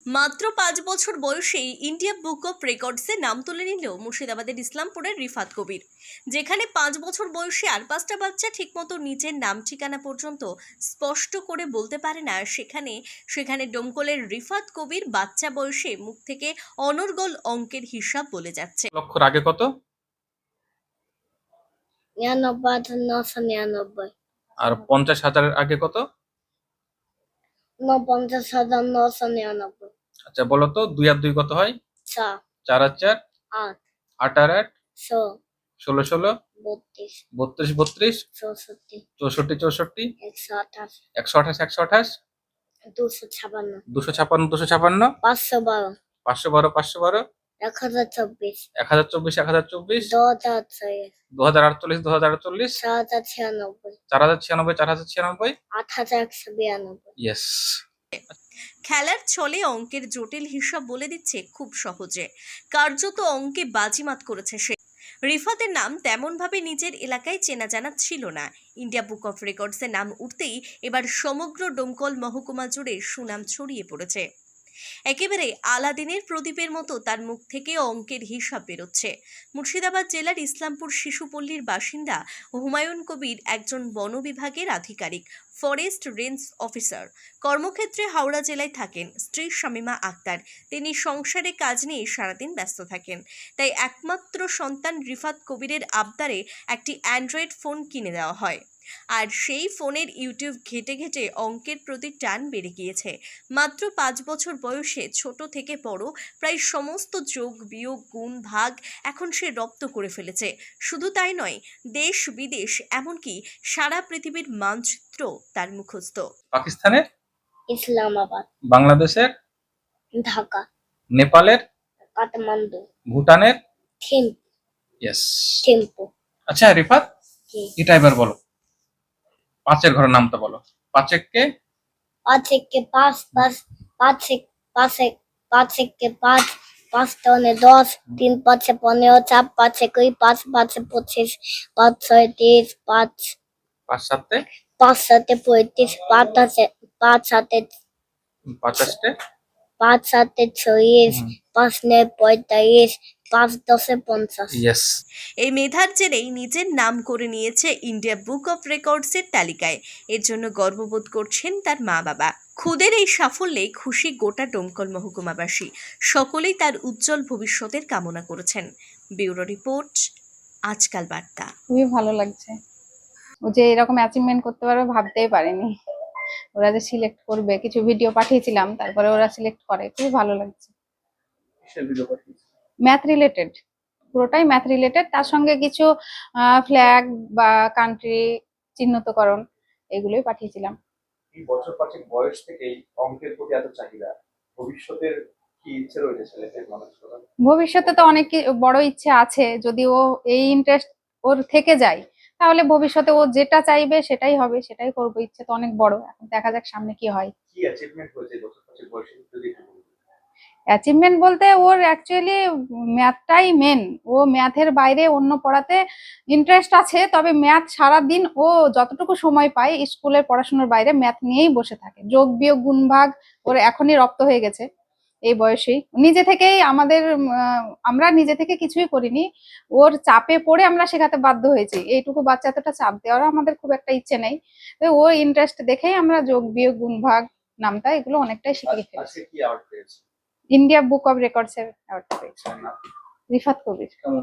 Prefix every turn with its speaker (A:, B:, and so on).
A: মাত্র 5 বছর বয়সেই ইন্ডিয়া বুক অফ রেকর্ডসে নাম তুলে নিল মুর্শিদাবাদের ইসলামপুরের রিফাত কবির। যেখানে 5 বছর বয়সী আর 5টা বাচ্চা ঠিকমতো নিজের নাম ঠিকানা পর্যন্ত স্পষ্ট করে বলতে পারে না, সেখানে ডোমকলের রিফাত কবির বাচ্চা বয়সে মুখ থেকে অনর্গল অঙ্কের হিসাব বলে যাচ্ছে।
B: লক্ষর আগে কত?
C: 99,999
B: আর 50,000-এর আগে কত?
C: 49,999
B: আচ্ছা বলো তো, 2 আর 2 কত হয়?
C: 4
B: 4 আর 4
C: 8
B: 8 আর 8
C: 16
B: 16 16
C: 32
B: 32 32
C: 64
B: 64 64
C: 128
B: 128
C: 256
B: 256 256
C: 512
B: 512 512
C: 1024
B: 1024 1024
C: 2048
B: 2048
C: 4096
B: 4096 4096
C: 8192
B: ইয়েস।
A: খেলার ছলে অঙ্কের জটিল হিসাব বলে দিচ্ছে খুব সহজে, কার্যত অঙ্কে বাজিমাত করেছে সে। রিফাতের নাম তেমনভাবে নিজের এলাকায় চেনা জানা ছিল না। ইন্ডিয়া বুক অফ রেকর্ডসের নাম উঠতেই এবার সমগ্র ডোমকল মহকুমা জুড়ে সুনাম ছড়িয়ে পড়েছে। একেবারে আলাদিনের প্রদীপের মতো তার মুখ থেকে অঙ্কের হিসাব বেরোচ্ছে। মুর্শিদাবাদ জেলার ইসলামপুর শিশুপল্লীর বাসিন্দা হুমায়ুন কবির একজন বন বিভাগের আধিকারিক, ফরেস্ট রেঞ্জ অফিসার। কর্মক্ষেত্রে হাওড়া জেলায় থাকেন। স্ত্রী শামিমা আক্তার। তিনি সংসারে কাজ নিয়ে সারাদিন ব্যস্ত থাকেন। তাই একমাত্র সন্তান রিফাত কবিরের আবদারে একটি অ্যান্ড্রয়েড ফোন কিনে দেওয়া হয়। আর সেই ফোনের ইউটিউব ঘেটে ঘেটে অঙ্কের প্রতি টান বেড়ে গিয়েছে। মাত্র 5 বছর বয়সে ছোট থেকে বড় প্রায় সমস্ত যোগ বিয়োগ গুণ ভাগ এখন সে রপ্ত করে ফেলেছে। শুধু তাই নয়, দেশ বিদেশ এমনকি সারা পৃথিবীর মানচিত্র তার মুখস্থ।
B: পাকিস্তানের,
C: ইসলামাবাদ,
B: বাংলাদেশের,
C: ঢাকা,
B: নেপালের,
C: কাঠমান্ডু,
B: ভুটানের,
C: থিম্পু
B: ইয়েস।
C: থিম্পু
B: আচ্ছা রিফাত,
C: কি
B: এটা এবার বলো, পাঁচের ঘরের নামটা বলো। পাঁচেককে
C: 5 একে 5 5 5 একে 5 5 টানে 10 3 5 15 4 5 21 5 5 25 5 6 30 5
B: 5 7
C: 5 7 35 5 7
B: 50
C: 5 7 40 5 9 45 5 10 50
B: ইয়েস।
A: এই মেধার জেরেই নিজের নাম করে নিয়েছে ইন্ডিয়া বুক অফ রেকর্ডসের তালিকায়। এর জন্য গর্ববোধ করছেন তার মা বাবা। খুদের এই সাফল্যে খুশি গোটা ডোমকল মহকুমাবাসী। সকলেই তার উজ্জ্বল ভবিষ্যতের কামনা করেছেন। ব্যুরো রিপোর্ট, আজকাল বার্তা।
D: খুবই ভালো লাগছে। ও যে এরকম অ্যাচিভমেন্ট করতে পারবে ভাবতেই পারিনি। ওরা যে সিলেক্ট করবে, কিছু ভিডিও পাঠিয়েছিলাম, তারপরে ওরা সিলেক্ট করে, খুবই ভালো লাগছে। ম্যাথ রিলেটেড, পুরোটাই ম্যাথ রিলেটেড, তার সঙ্গে কিছু ফ্ল্যাগ বা কান্ট্রি চিহ্নিতকরণ এগুলোই পাঠিয়েছিলাম।
E: এই বছর 5 বয়স থেকেই অঙ্কের প্রতি এত চাহিদা, ভবিষ্যতের কি ইচ্ছে রয়েছে ছেলেদের মানুষ করার?
D: ভবিষ্যতে তো অনেক বড় ইচ্ছে আছে, যদি ও এই ইন্টারেস্ট ওর থেকে যায় তাহলে ভবিষ্যতে ও যেটা চাইবে সেটাই হবে, সেটাই করবো। ইচ্ছে তো অনেক বড়, এখন দেখা যাক সামনে কি হয়।
E: কি অ্যাচিভমেন্ট হয়েছে এই বছর 5 বয়সে যদি একটু বলতেন?
D: অ্যাচিভমেন্ট বলতে ওর অ্যাকচুয়ালি ম্যাথটাই মেন। ও ম্যাথের বাইরে অন্য পড়াতে ইন্টারেস্ট আছে, তবে ম্যাথ সারাদিন ও যতটুকু সময় পায় স্কুলের পড়াশোনার বাইরে ম্যাথ নিয়েই বসে থাকে। যোগ বিয়োগ গুণ ভাগ ওর এখনই রপ্ত হয়ে গেছে এই বয়সেই। নিজে থেকেই আমরা নিজে থেকে কিছুই করিনি, ওর চাপে পড়ে আমরা শেখাতে বাধ্য হয়েছি। এইটুকু বাচ্চা এতটা চাপ দেওয়ার আমাদের খুব একটা ইচ্ছে নেই, ওর ইন্টারেস্ট দেখেই আমরা যোগ বিয়োগ গুণ ভাগ নামটা এগুলো অনেকটাই শিখিয়ে ফেলেছি।
E: আজকে কি অ্যাওয়ার্ড পেয়েছে?
D: ইন্ডিয়া বুক অফ রেকর্ডস এর অ্যাওয়ার্ডটা পেয়েছে রিফাত কবির।